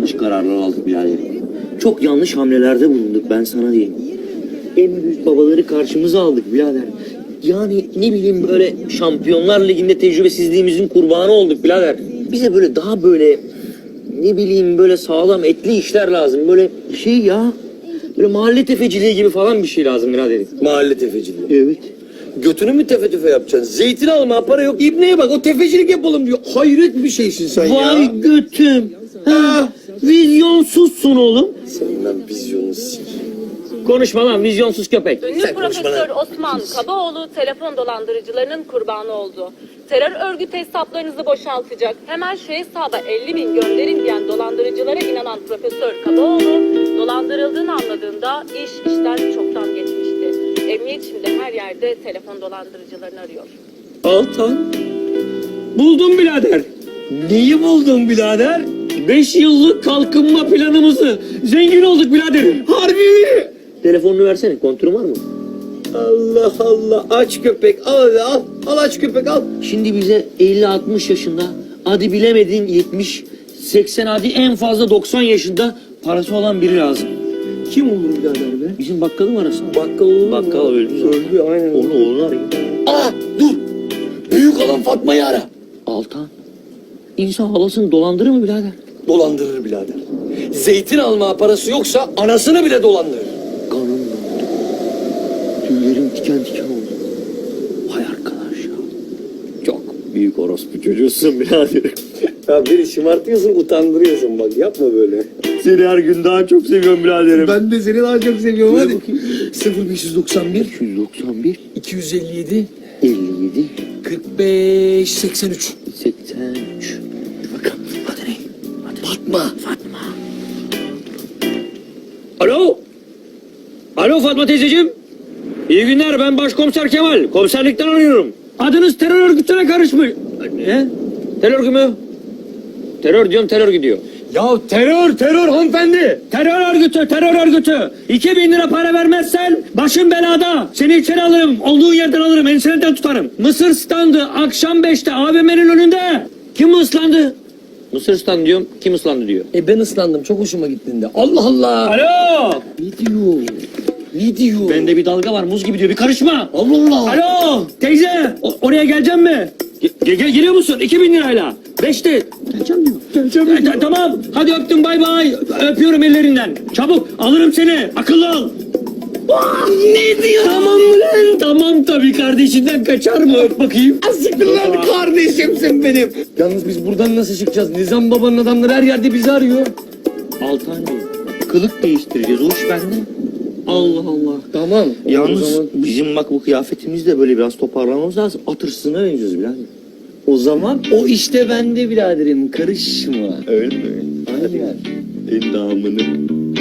yanlış kararlar aldık birader. Çok yanlış hamlelerde bulunduk, ben sana diyeyim. En büyük babaları karşımıza aldık birader. Yani ne bileyim, böyle Şampiyonlar Ligi'nde tecrübesizliğimizin kurbanı olduk birader. Bize böyle daha böyle ne bileyim böyle sağlam etli işler lazım. Böyle şey ya, böyle mahalle tefeciliği gibi falan bir şey lazım birader. Mahalle tefeciliği. Evet. Götünü mü tefe tüfe yapacaksın? Zeytin alma, para yok. İbneye bak, o tefecilik yapalım diyor. Hayret bir şeysin sen ya. Vay götüm. Ha, vizyonsuzsun oğlum. Senin ben vizyonunu sik. Konuşma lan vizyonsuz köpek. Ünlü Profesör Osman Kabaoğlu telefon dolandırıcılarının kurbanı oldu. Terör örgütü hesaplarınızı boşaltacak, hemen şu hesaba 50.000 gönderin diyen dolandırıcılara inanan Profesör Kabaoğlu, dolandırıldığını anladığında iş işten çoktan geçmişti. Emniyet şimdi her yerde telefon dolandırıcılarını arıyor. Altan. Buldum birader. Neyi buldun birader? 5 yıllık kalkınma planımızı. Zengin olduk birader. Harbi mi? Telefonunu versene, kontürün var mı? Allah Allah, aç köpek. Al hadi, al. Al aç köpek, al. Şimdi bize 50-60 yaşında, hadi bilemedin 70, 80, hadi en fazla 90 yaşında parası olan biri lazım. Kim olur birader be? Bizim bakkalın arasın. Bakkal olur mu? Bakkal öldü zaten. Öldü, aynen. Onu arayın. Aa, dur. Büyük olan Fatma'yı ara. Altan. İnsan halasını dolandırır mı birader? Dolandırır birader. Zeytin alma parası yoksa anasını bile dolandırır. Kanım dondu. Tüylerim diken diken oldu. Vay arkadaş ya. Çok büyük orospu çocuğusun birader. Ya beni şımartıyorsun, utandırıyorsun, bak yapma böyle. Seni her gün daha çok seviyorum biraderim. Ben de seni daha çok seviyorum, Buyur hadi. bakayım. 0591 291 257 57 45 83. 83. Dur bakalım. Hadi ne? Hadi. Fatma. Alo. Alo Fatma teyzeciğim. İyi günler, ben Başkomiser Kemal. Komiserlikten arıyorum. Adınız terör örgütüne karışmış. Ne? Terör örgütü mü? Terör diyorum, terör gidiyor. Ya terör hanımefendi. Terör örgütü. 2000 lira para vermezsen başın belada. Seni içeri alırım, olduğun yerden alırım, ensenden tutarım. Mısır standı akşam 5'te AVM'nin önünde. Kim ıslandı? Mısır standı diyorum, kim ıslandı diyor. Ben ıslandım, çok hoşuma gittiğinde. Allah Allah. Alo. Ne diyor? Ne diyor? Bende bir dalga var, muz gibi diyor, bir karışma. Allah Allah. Alo teyze, oraya geleceğim mi? Geliyor musun? 2000 lirayla. 5'te. Geleceğim diyor. Tamam. Hadi öptüm, bay bay. Öpüyorum ellerinden. Çabuk alırım seni. Akıllı ol. Ne diyor? Tamam mı lan? Tamam tabii, kardeşinden kaçar mı? Öp bakayım. Siktir lan, kardeşimsin benim. Yalnız biz buradan nasıl çıkacağız? Nizam babanın adamları her yerde bizi arıyor. Altancığım, kılık değiştireceğiz. O iş bende. Allah Allah. Tamam. Yalnız O zaman, bizim bak bu kıyafetimizde böyle biraz toparlamamız lazım. At hırsızına benziyoruz birader. o zaman o işte bende biraderim. Karışma. Öyle mi? Aynen. Endamını.